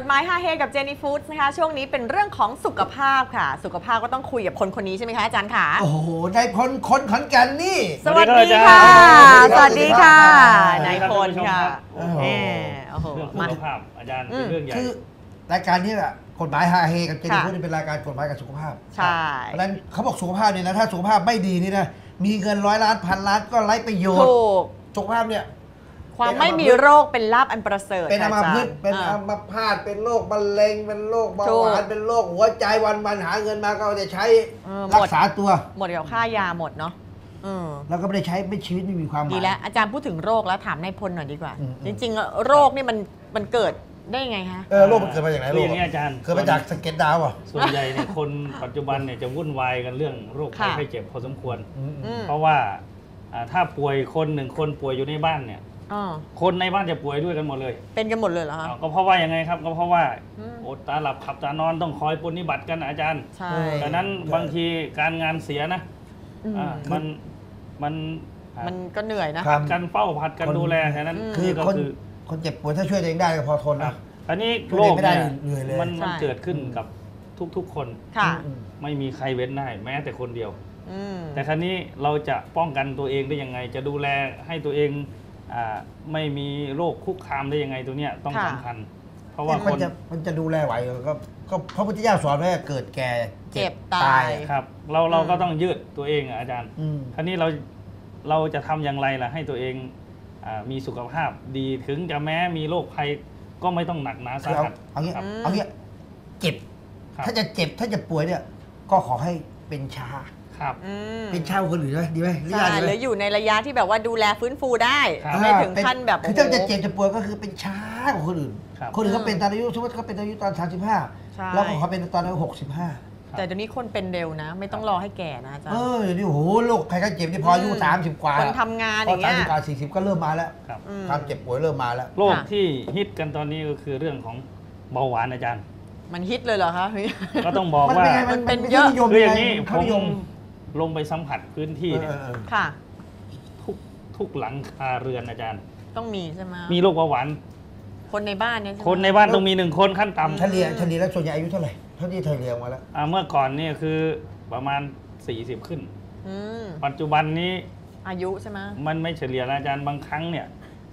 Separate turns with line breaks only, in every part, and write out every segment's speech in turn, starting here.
ฎหมาย5 เฮกับเจนี่ฟู้ดนะคะช่วงนี้เป็นเรื่องของสุขภาพค่ะสุขภาพก็ต้องคุยกับคนนี้ใช่ไหมคะอาจารย์ค่ะ
โอ้โหนายพลคนขอนแก่นนี่
สวัสดีค่ะสวัสดีค่ะนายพลค่ะ
โอ้โหเรื่องสุขภาพอาจารย์เป็นเรื่องใหญ่
คือรายการนี้แหละกฎหมาย5 เฮกับเจนี่ฟู้ดเป็นรายการกฎหมายกับสุขภาพ
ใช่
เพราะฉะนั้นเขาบอกสุขภาพเนี่ยนะถ้าสุขภาพไม่ดีนี่นะมีเงิน100 ล้าน1,000 ล้านก็ไร้ประโยชน์สุขภาพเนี่ย
ความไม่มีโรคเป็นลาภอันประเสริฐ
เป็นอัมพฤกษ์เป็นอัมพาตเป็นโรคมะเร็งเป็นโรคเบาหวานเป็นโรคหัวใจวันหาเงินมาก็จะใช้รักษาตัว
หมดกับค่ายาหมดเนาะ
แล้วก็ไม่ได้ใช้ไม่ชีวิตไม่มีความหมาย
ดีแล้วอาจารย์พูดถึงโรคแล้วถามนายพลหน่อยดีกว่าจริงๆโรคนี่มันเกิดได้ยังไงคะ
โรคมันเกิดมาจากไหนโรค
อย่างนี้อาจารย์
เกิดมาจากสะเก็ดดาวอ่ะ
ส่วนใหญ่เนี่ยคนปัจจุบันเนี่ยจะวุ่นวายกันเรื่องโรคไข้เจ็บพอสมควรเพราะว่าถ้าป่วยคน1 คนป่วยอยู่ในบ้านเนี่ยคนในบ้านจะป่วยด้วยกันหมดเลย
เป็นกันหมดเลยเหรอคะ
ก็เพราะว่ายังไงครับก็เพราะว่าอดตาหลับขับตานอนต้องคอยปฏิบัติกันอาจารย์
ใช่
ดังนั้นบางทีการงานเสียนะมัน
ก็เหนื่อยนะ
การเฝ้าผัดกันดูแลแค่นั้น
คือคนเจ็บป่วยถ้าช่วยตัวเองได้ก็พอทนนะ
อันนี้โรคเนี่ยมันเกิดขึ้นกับทุกๆคนไม่มีใครเว้นได้แม้แต่คนเดียวแต่ครั้นี้เราจะป้องกันตัวเองได้ยังไงจะดูแลให้ตัวเองไม่มีโรคคุกคามได้ยังไงตัวเนี้ยต้องสำคัญเพราะว่า
มันจะดูแลไหวก็พระพุทธเจ้าสอนไว้เกิดแก่
เจ็บตาย
ครับเราก็ต้องยืดตัวเองอาจารย์ครั้นี้เราจะทำอย่างไรล่ะให้ตัวเองมีสุขภาพดีถึงจะแม้มีโรคภัยก็ไม่ต้องหนักหนาสาหัส
เอางี้เจ็บถ้าจะเจ็บถ้าจะป่วยเนี่ยก็ขอให้เป็นชาเป็นชาคนอื่นไหมดีไหม
หรืออยู่ในระยะที่แบบว่าดูแลฟื้นฟูได้ไม่ถึงขั้นแบบ
คือถ้าจะเจ็บจะป่วยก็คือเป็นชาของคนอื่นเขาเป็นตอนอายุสมมติเขาเป็นอายุตอน35แล้วเขาเป็นตอนอายุ65
แต่เดี๋ยวนี้คนเป็นเร็วนะไม่ต้องรอให้แก่นะอาจารย์
เดี๋ยวนี้โอ้โหโรคใครก็เจ็บที่พออายุ30 กว่า
คนทำงานอย่างเงี้ย
30 กว่า40ก็เริ่มมาแล้วความเจ็บป่วยเริ่มมาแล้ว
โรคที่ฮิตกันตอนนี้ก็คือเรื่องของเบาหวานอาจารย์
มันฮิตเลยเหรอคะ
ก็ต้องบอกว่า
มันเป็นเยอะ
คืออย่างนี้ผมลงไปสัมผัสพื้นที่เนี่ยทุกหลังคาเรือนอาจารย์
ต้องมีใช่ไหม
มีโรคเบาหวาน
คนในบ้านเนี่ย
คนในบ้านต้องมี1 คนขั้นต่ำ
เฉลี่ยแล้วส่วนใหญ่อายุเท่าไหร่เท่าที่เฉลี่ยมาแล้ว
เมื่อก่อนนี่คือประมาณ40ขึ้นปัจจุบันนี้
อายุใช่ไหม
มันไม่เฉลี่ยอาจารย์บางครั้งเนี่ย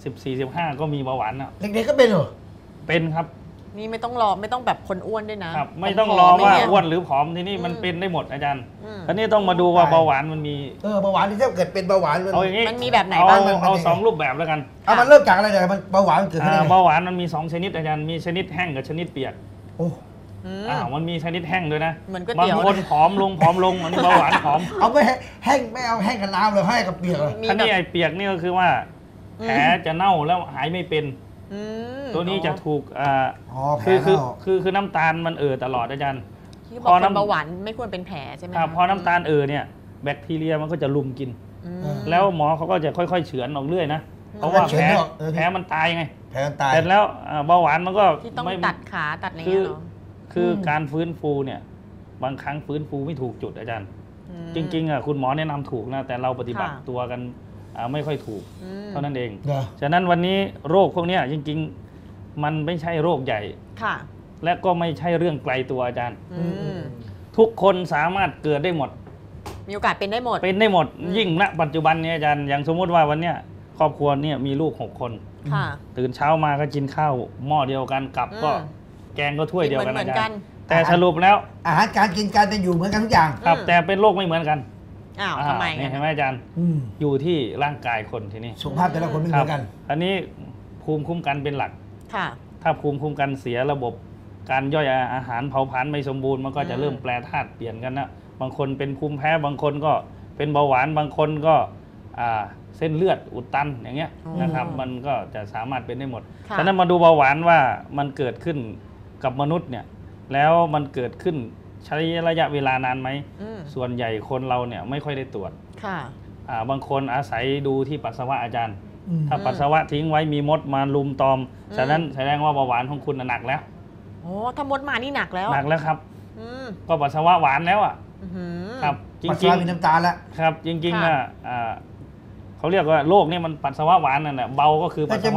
14-15ก็มีเบาหวานอ่ะ
เด็กๆก็เป็นเหรอ
เป็นครับ
นี่ไม่ต้องรอไม่ต้องแบบคนอ้วนด้วยนะครับ
ไม่ต้องรอว่าอ้วนหรือผอมที่นี่มันเป็นได้หมดอาจารย์อันนี้ต้องมาดูว่าเบาหวานมันมี
เบาหวานที่ถ้าเกิดเป็นเบาหวาน
เอาอย่างนี้
มันมีแบบไหนบ้าง
เอา2 รูปแบบแล้วกัน
มันเริ่มจากอะไรเนี่ยมันเบาหวานเกิดขึ้น
เบาหวานมันมี2 ชนิดอาจารย์มีชนิดแห้งกับชนิดเปียกมันมีชนิดแห้งด้วยนะบางคนผอมลงอันนี้เบาหวานผอม
เอาไม่แห้งไม่เอาแห้งกับน้ำเลยให้กับเปียกเลย
อันนี้ไอ้เปียกนี่ก็คือว่าแผลจะเน่าแล้วหายไม่เป็นตัวนี้จะถูกคือน้ำตาลมันตลอดอาจารย์
พอน้ำเบาหวานไม่ควรเป็นแผลใช่ไหม
พอน้ำตาลเนี่ยแบคทีเรียมันก็จะลุมกินแล้วหมอเขาก็จะค่อยๆเฉือนออกเรื่อยนะเพราะว่าแผลมันตายไง
แผลมันตาย
เสร็จแล้วเบาหวานมันก็
ต้องตัดขาตัดอะไรเงี้ยเนาะ
คือการฟื้นฟูเนี่ยบางครั้งฟื้นฟูไม่ถูกจุดอาจารย์จริงๆคุณหมอแนะนำถูกนะแต่เราปฏิบัติตัวกันไม่ค่อยถูกเท่านั้นเองฉะนั้นวันนี้โรคพวกนี้จริงๆมันไม่ใช่โรคใหญ่และก็ไม่ใช่เรื่องไกลตัวอาจารย์ทุกคนสามารถเกิดได้หมด
มีโอกาสเป็นได้หมด
ยิ่งณปัจจุบันนี้อาจารย์อย่างสมมติว่าวันนี้ครอบครัวเนี่ยมีลูก6 คนตื่นเช้ามาก็กินข้าวหม้อเดียวกันกับก็แกงก็ถ้วยเดียวกันอาจารย์แต่สรุปแล้ว
อาหารการกินการเป็นอยู่เหมือนกันทุกอย่าง
ครับแต่เป็นโรคไม่เหมือนกัน
ทำไม
เห็นไหมอาจารย์อยู่ที่ร่างกายคนทีนี้
สุขภาพแต่ละคนไม่เหมือนกัน
อันนี้ภูมิคุ้มกันเป็นหลักถ้าภูมิคุ้มกันเสียระบบการย่อยอาหารเผาผลาญไม่สมบูรณ์มันก็จะเริ่มแปรธาตุเปลี่ยนกันนะบางคนเป็นภูมิแพ้บางคนก็เป็นเบาหวานบางคนก็เส้นเลือดอุดตันอย่างเงี้ยนะครับมันก็จะสามารถเป็นได้หมดฉะนั้นมาดูเบาหวานว่ามันเกิดขึ้นกับมนุษย์เนี่ยแล้วมันเกิดขึ้นใช้ระยะเวลานานไหมส่วนใหญ่คนเราเนี่ยไม่ค่อยได้ตรวจบางคนอาศัยดูที่ปัสสาวะอาจารย์ถ้าปัสสาวะทิ้งไว้มีมดมาลุมตอมฉะนั้นแสดงว่าเบาหวานของคุณหนักแล้ว
ถ้ามดมานี่หนักแล้ว
ครับก็ปัสสาวะหวานแล้วครับ
จริงๆมีน้ำตาลแล้ว
ครับจริงๆเขาเรียกว่าโรคนี่มันปัสสาวะหวานนั่นแหละเบาก็คือปัสสาวะ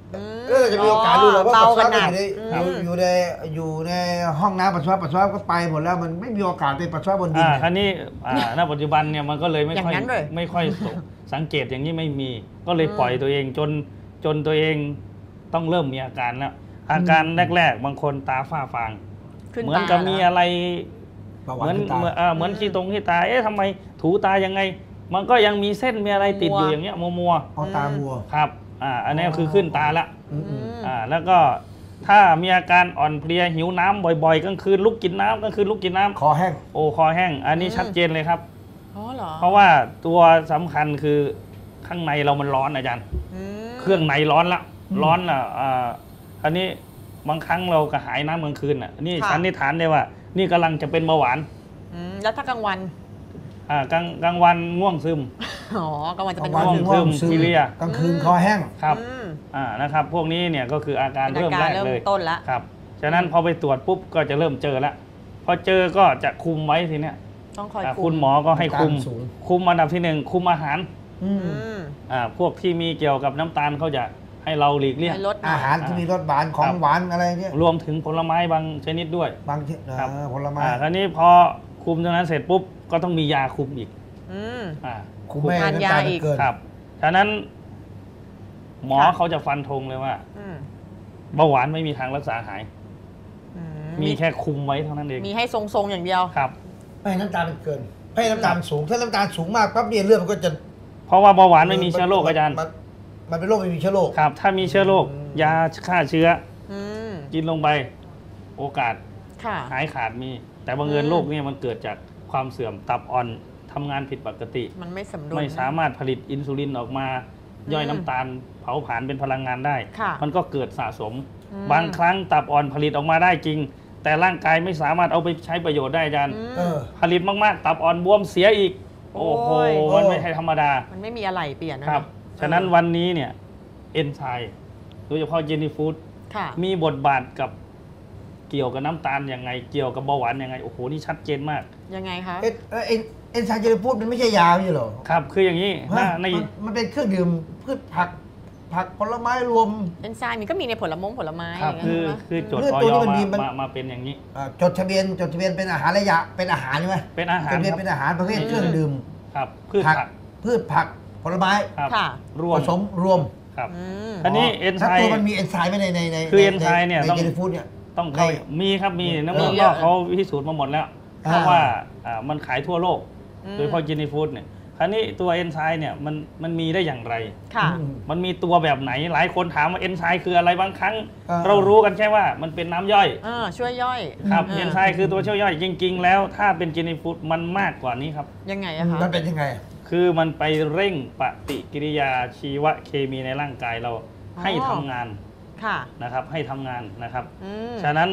แล้วเราจะมีโอกาสรู้หรอว่าปัสสาวะ
อืม
อยู่ในห้องน้ำปัสสาวะก็ไปหมดแล้วมันไม่มีโอกาสไปปัสสาวะบนดิน
คราวนี้ณปัจจุบันเนี่ยมันก็เลยไม่ค่อย
อย่างนั้นเลย
ไม่ค่อยสังเกตอย่างนี้ไม่มี ก็เลยปล่อยตัวเองจนตัวเองต้องเริ่มมีอาการแล้วอาการแรกๆบางคนตาฝ้าฟาง
ขึ้น
เหมือนกับมีอะไร
ประ
เห
วั
มือน
ติตา
เหมือนขี้ตาทำไมถูตายังไง มันก็ยังมีเส้นมีอะไรติดอยู่อย่างเงี้ยมัว
เอาตาบัว
ๆครับอันนี้คือขึ้นตาละ
อืม
แล้วก็ถ้ามีอาการอ่อนเพลียหิวน้ำบ่อยๆกลางคืนลุกกินน้ำกลางคืนลุกกินน้ำ
คอแห้ง
โอ้คอแห้งอันนี้ชัดเจนเลยครับ
อ๋อเหรอ
เพราะว่าตัวสำคัญคือข้างในเรามันร้อนอาจารย์
ม
เครื่องในร้อนละร้อนละอันนี้บางครั้งเรากระหายน้ำกลางคืนนี่สันนิษฐานได้ว่า นี่กำลังจะเป็นเบาหวาน
แล้วถ้ากลางวัน
กลางวันง่วงซึม
อ๋อกลางวันจะเป็น
กลางวัน
ง่วงซึม
ซึม
เพลีย
กลางคืนคอแห้ง
ครับ
อืม
นะครับพวกนี้เนี่ยก็คืออาการ
เป็น
เริ่ม
อา
แร
การ
กเลย
เริ่มต้นละ
ครับฉะนั้นพอไปตรวจปุ๊บก็จะเริ่มเจอแล้วพอเจอก็จะคุมไว้ทีเนี้ย
ต้องคอย
คุณหมอก็ให้คุม
น้ำตาลสูง
คุมอันดับที่หนึ่งคุมอาหาร
อืม
อืม
พวกที่มีเกี่ยวกับน้ำตาลเขาจะให้เราหลีกเลี่ยง
ให้ลดหน่
อาย หารที่มีรสหวานของหวานอะไรเนี่ย
รวมถึงผลไม้บางชนิดด้วย
บางชนิด
ครับ
ผลไม้
คราวนี้พอคุมตรงนั้นเสร็จปุ๊บก็ต้องมียาคุมอีก
อืม
คุมแม่
ทาน
น้ำ
ยา
ตาล
อีก
เกิน
ครับฉะนั้น หมอ
ค่ะ
เขาจะฟันธงเลยว่า
อืม
เบาหวานไม่มีทางรักษาหาย
อื
มีแค่คุมไว้เท่านั้นเอง
มีให้ทรงๆอย่างเดียว
ครับ
ไม่ให้น้ำตาลมันเกินไม่ให้น้ำตาลสูงถ้าน้ำตาลสูงมากปั๊บเนี่ยเลือดมันก็จะ
เพราะว่าเบาหวานไม่มีเชื้อโรคอาจารย์
มันเป็นโรคไม่มีเชื้อโรค
ครับ ถ้ามีเชื้อโรคยาฆ่าเชื้อ
อืม
กินลงไปโอกาส
ค่ะ
หายขาดมี แต่บังเอิญ
อืม
โรคเนี่ยมันเกิดจากความเสื่อมตับอ่อนทำงานผิดปกติ
มันไม่สมดุล
ไม่สามารถผลิตอินซูลินออกมา ย่อย
อืม
น้ำตาลเผาผลาญเป็นพลังงานได้
ค่ะ
มันก็เกิดสะสม
อืม
บางครั้งตับอ่อนผลิตออกมาได้จริง แต่ร่างกายไม่สามารถเอาไปใช้ประโยชน์ได้อาจารย์
อืม
เออ
ผลิตมากๆ ตับอ่อนบวมเสียอีก โอ้โห
โอ้ย
มันไม่ใช่ธรรมดา
มันไม่มีอะไรเปลี่ยนนะครับ
ฉะนั้นวันนี้เนี่ยเอนไซม์โดยเฉพาะเจนี่ฟู้ด
ค่ะ
มีบทบาทกับเกี่ยวกับน้ำตาลยังไง เกี่ยวกับเบาหวานยังไง โอ้โห นี่ชัดเจนมาก
ยังไงคะ
เอนไซม์เจลพูดมันไม่ใช่ยาไม่ใช่เหรอ
ครับ คืออย่างนี้
ฮะ
ใน
มันเป็นเครื่องดื่มพืชผักผลไม้รวม
เอนไซม์มันก็มีในผลไม้
ครับ
ย่างเงี้ย
คือ
ใช่ไหม
จด
เลือด
ออ
ตัวนี้
ย
มันมีมัน
มาเป็นอย่างนี้
จดทะเบียนเป็นอาหารระยะเป็นอาหารใช่ไหม
เป็นอาหาร
จดทะเบียน
ครับ
เป็นอาหารประเภทเครื่องดื่ม
ครับพืช
ผัก
ผัก
พืชผักผลไม้
ครับ
ค่ะ
รว
ผม สมรวม
ครับ
อืม
อันนี้เอนไซ
แล้ว
ม์
ตัวมันมีเอนไซม์ไหมใน
คือเอนไซม์เนี่ย
ใน
ต้อง
เจลฟูดเนี่ย
ต้องเข้า
ใน
มีครับมีน้ำ
มี
มัน
เย
ก็
อะ
เขาพิสูจน์มาหมดแล้ว
อ่า
เพราะว่ามันขายทั่วโลก
อืม
โดยเฉพาะเจนี่ฟู้ดเนี่ยคราวนี้ตัวเอนไซม์เนี่ยมันมีได้อย่างไร
ค่ะ
อืม
มันมีตัวแบบไหนหลายคนถามว่าเอนไซม์คืออะไรบางครั้ง
อ่า
เรารู้กันแค่ว่ามันเป็นน้ำย่อย
ช่วยย่อย
ครับ
า
เอนไซม์คือตัวช่วยย่อยจริง ๆ แล้วถ้าเป็นเจนี่ฟู้ดมันมากกว่านี้ครับ
ยังไงอะคะ
มันเป็นยังไง
คือมันไปเร่งปฏิกิริยาชีวเคมีในร่างกายเราให้ทำงาน
ค่ะ
นะครับให้ทำงานนะครับ
อืม
ฉะนั้น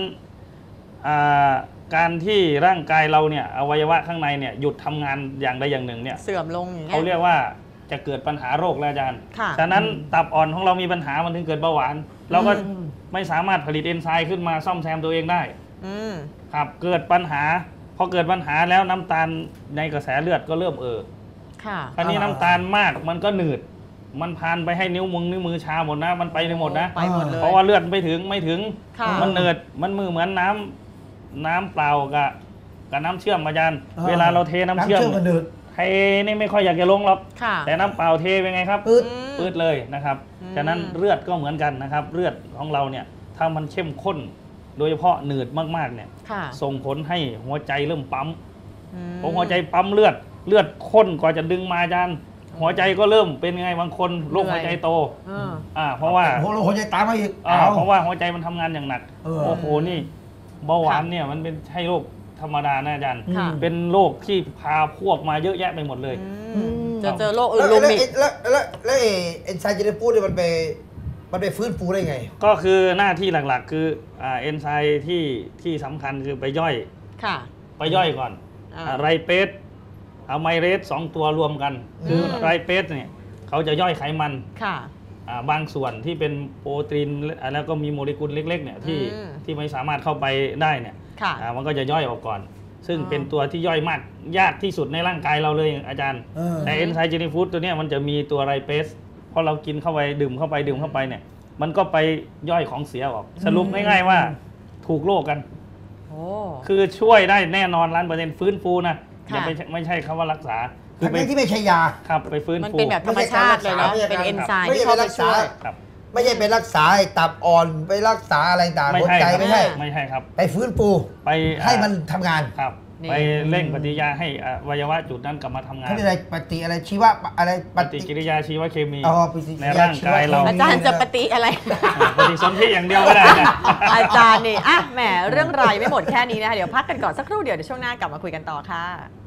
การที่ร่างกายเราเนี่ยอวัยวะข้างในเนี่ยหยุดทำงานอย่างใดอย่างหนึ่งเนี่ย
เสื่อมลงอย่างเงี้
เขาเรี
ย
ยกว่าจะเกิดปัญหาโรคแล้วอาจารย์
ค่ะ
ฉะนั้นตับอ่อนของเรามีปัญหามันถึงเกิดเบาหวาน เราก็
อืม
ไม่สามารถผลิตเอนไซม์ขึ้นมาซ่อมแซมตัวเองได้
อืม
ครับเกิดปัญหาพอเกิดปัญหาแล้วน้ำตาลในกระแสเลือดก็เริ่ม
ค่ะ
คราวนี้น้ำตาลมากมันก็หนืด มันพานไปให้นิ้วมือชาหมดนะ มันไปหมดนะ
ไปหมดเลย
เพราะว่าเลือดไม่ถึง
ค่ะ
มันเหนืดมันเหมือนน้ำเปล่ากับน้ำเชื่อมอาจารย์
อ่า
เวลาเราเทน้ำเชื่อม
มันดืด
เทนี่ไม่ค่อยอยากจะลงหรอก
ค่ะ
แต่น้ำเปล่าเทเป็นไงครับ
ปืด
ปืดเลยนะครับ
อืม
ฉะนั้นเลือดก็เหมือนกันนะครับ เลือดของเราเนี่ยถ้ามันเข้มข้น โดยเฉพาะหนืดมากๆเนี่ย
ค่ะ
ส่งผลให้หัวใจเริ่มปั๊ม
อืม
พอหัวใจปั๊มเลือดข้นกว่าจะดึงมาอาจารย์หัวใจก็เริ่มเป็นไงบางคนโรคหัวใจโต เพราะว่า
หัวใจตามมาอีก
เพราะว่าหัวใจมันทำงานอย่างหนัก
เออ
โอ้โหนี่เบาหวานเนี่ยมันเป็นใช่โรคธรรมดานะอาจารย์
ค่ะ
เป็นโรคที่พาพวกมาเยอะแยะไปหมดเลย
อืมจะเจอโรคอื่น
แล้ว
รวมอีก
แล้วเอนไซม์เจลฟูดเนี่ยมันไปฟื้นฟูได้ไง
ก็คือหน้าที่หลักๆ คือเอนไซม์ที่สำคัญคือไปย่อย
ค่ะ
ไปย่อยก่อน ไรเปสอะไมเรส2ตัวรวมกัน คือไรเปสเนี่ยเขาจะย่อยไขมัน
ค่ะ
บางส่วนที่เป็นโปรตีนแล้วก็มีโมเลกุลเล็กๆเนี่ยที่ไม่สามารถเข้าไปได้เนี่ย
ค่ะ
มันก็จะย่อยออกก่อน ซึ่งเป็นตัวที่ย่อยมากยากที่สุดในร่างกายเราเลยอาจารย์ แต่เอนไซม์เจนี่ฟู้ดตัวเนี้ยมันจะมีตัวไรเปสพอเรากินเข้าไปดื่มเข้าไปเนี่ยมันก็ไปย่อยของเสียออกสรุปง่ายๆว่าถูกโรคกัน
โอ้
คือช่วยได้แน่นอน100%ฟื้นฟูนะอย่า
ค่ะ
ไปไม่ใช่คำว่ารักษาคื
ทั้
ไป
งที่ไม่ใช่ยา
ครับไปฟื้น
มัน
ฟู
เป็นแบบธรรมชาติเลยเนาะ
ไม่ใช่
เป็น
การ
เอนไซม์
ไม่
ที่
ใช่
เข้าไป
รักษา
ช่วย
ครับ
ไม่ใช่ไปรักษาให้ตับอ่อนไปรักษาอะไรต่าง
ไม่
หัว
ใช่
ใจ
ครับ
ไม่ใช่
ไม่ใช่ครับ
ไปฟื้นฟู
ไป
ให้มันทำงาน
ครับ
นี่
ไปเร่งปฏิกิริยาให้อวัยวะจุดนั้นกลับมาทำงาน
เขาเรียกอะไรปฏิอะไรชีวะอะไร
ปฏิกิริยาชีวเคมี
อ๋อปฏิกิ
ใน
ริยา
ร่างกายเรา
อาจารย์จะปฏิอะไร
ปฏิสนธิอย่างเดียวก็ได้นะ
อาจารย์นี่อ่ะแหมเรื่องรายไม่หมดแค่นี้นะคะเดี๋ยวพักกันก่อนสักครู่เดี๋ยวช่วงหน้ากลับมาคุยกันต่อค่ะ